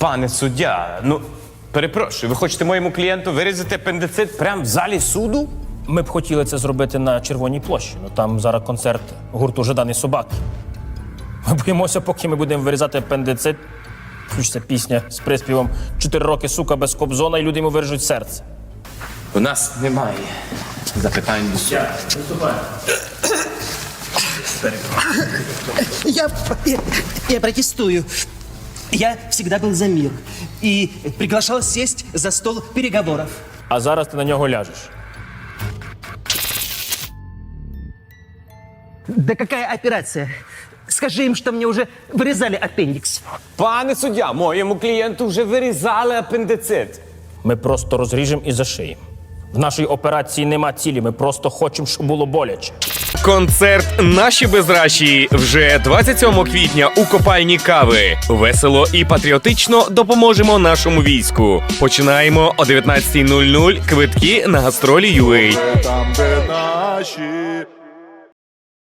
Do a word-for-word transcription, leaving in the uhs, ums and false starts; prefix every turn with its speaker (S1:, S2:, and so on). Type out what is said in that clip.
S1: Пане суддя, ну, перепрошую, ви хочете моєму клієнту вирізати апендицит прямо в залі суду?
S2: Ми б хотіли це зробити на Червоній площі. Ну там зараз концерт гурту «Жадані собаки». Ми боїмося, поки ми будемо вирізати апендицит, включиться пісня з приспівом «Чотири роки, сука, без Кобзона» і люди йому виріжуть серце.
S1: У нас немає запитань до суду.
S3: Я, я, я протестую. Я всегда был за мир и приглашал сесть за стол переговоров.
S2: А зараз ти на нього ляжеш.
S3: Да какая операция? Скажи им, что мне уже вырезали аппендикс.
S1: Пане суддя, моєму клієнту вже вирізали апендицит.
S2: Ми просто розріжемо і зашиємо. В нашій операції нема цілі, ми просто хочемо, щоб було боляче.
S4: Концерт «Наші безращі» вже двадцять сьомого квітня у копальні Кави. Весело і патріотично допоможемо нашому війську. Починаємо о дев'ятнадцятій нуль нуль. Квитки на гастролі ю ей.
S5: Там, де наші